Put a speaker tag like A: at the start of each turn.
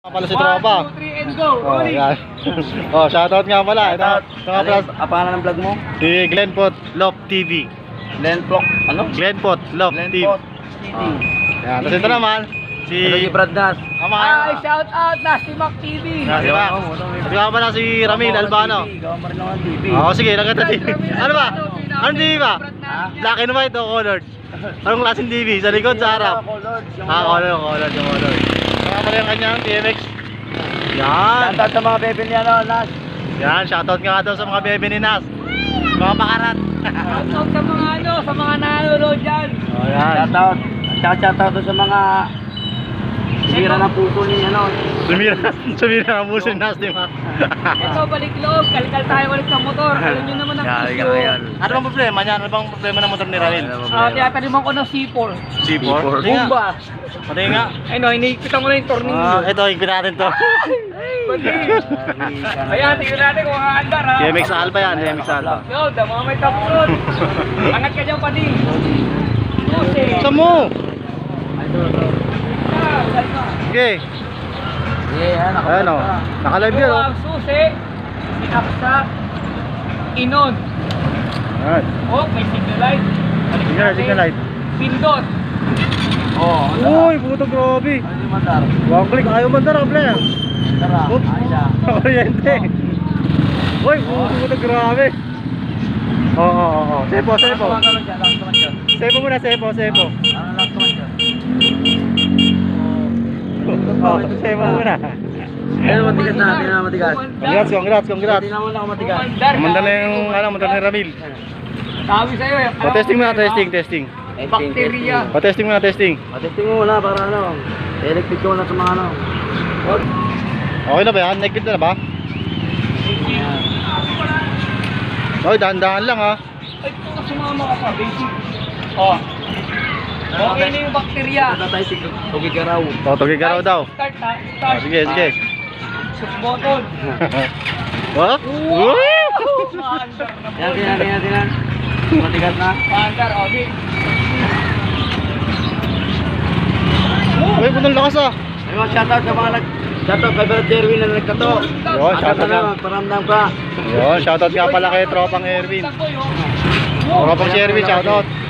A: Pala si Tropa.
B: 1, 2, 3 and go.
A: Oh,
B: Rolling.
A: yan. Oh, shoutout nga pala. Ito nga pala
C: Ang pangalan ng vlog mo?
A: si Glenpot Love TV.
C: Lenpok. Ano?
A: Glenpot Love TV.
C: Lenpok.
A: Yan, tapos ito naman si
C: Ito si Brad Nas.
B: Ay, shout out Nasty Mac TV.
A: Di ba? Ito nga pala si Ramil Albano.
C: Gawa mo rin naman TV.
A: Oo, sige, nagkata TV. Ano ba? Ano TV ba? Black and white o colored? Anong klaseng TV? Sa likod, sa harap? Colored. Ito nga pala yung kanyang TMX. Yan.
C: Shoutout sa mga bebe niya, no, Nas.
A: Yan, shoutout nga daw sa mga bebe ni Nas. Mga pakarat.
B: Shout out sa mga sa mga nanonood dyan.
A: Oh, yan.
C: Shoutout. At shoutout sa mga sira ng puso niya, no.
A: Sumira ang puso ni Nas, di ba?
B: Ito, balik loob. Kalkal tayo ulit ng motor. Alam nyo naman ang issue.
A: Ano bang problema niya? Ano bang problema ng motor ni Ramil?
B: Tinataliman ko ng C4.
A: C4?
B: Bumba.
A: Pati nga.
B: Ay no, iniipitan ko na yung tornillo.
A: Ito, higpin natin to.
B: Ayan, tingnan natin kung aandar ha.
A: TMX Alpha yan, TMX Alpha.
B: Yo, dama may tapos. Angat ka dyan pa din. Susi.
A: Saan mo? Okay.
C: Yeah,
A: Ayan o. Naka-live yan o.
B: Ang susi. Sinaksak. Inon.
A: Ayan.
B: Oh, may signal light.
A: Signal light.
B: Pindot.
C: Oh,
A: Uy, puto grabe.
C: ano yung mandar?
A: One click, ayaw mandar, able.
C: Tara,
A: Oops.
C: ayos.
A: Oriente. Uy, puto grabe. Oo. Sepo. Sepo muna, sepo.
C: Ano lang naman dyan?
A: Sepo muna.
C: Ano matigas na? Hindi na matigas.
A: Congrats.
C: Hindi naman ako matigas.
A: Mandar na yung, mandar ni Ramil.
B: Sabi sa'yo eh.
A: Pa-testing muna, testing.
B: Bakterya.
A: Pa-testing muna, testing.
C: Matesting mo muna para ano. Electric ko na sa mga ano.
A: Okay na ba yan? Nagpit na ba? Oy, dahan-dahan lang ha.
B: Ay, kung sumama ka pa, basic. Oh. Okay na yung bakterya.
C: Punta tayo si Tugigaraw.
A: Tugig ka raw daw.
B: Start ha. Start.
A: Sige.
B: Sus button.
A: What?
B: Maandar na po.
C: Yan. Matigas na.
B: Maandar, okay.
A: Uy, punong lakas ah.
C: Ayun, shoutout sa mga shoutout kay Brad Erwin na nagkato.
A: Yun, shoutout
C: na.
A: na.
C: Paramdam ka.
A: Yun, shoutout nga pala kay Tropang Erwin. Tropang si Erwin, shoutout.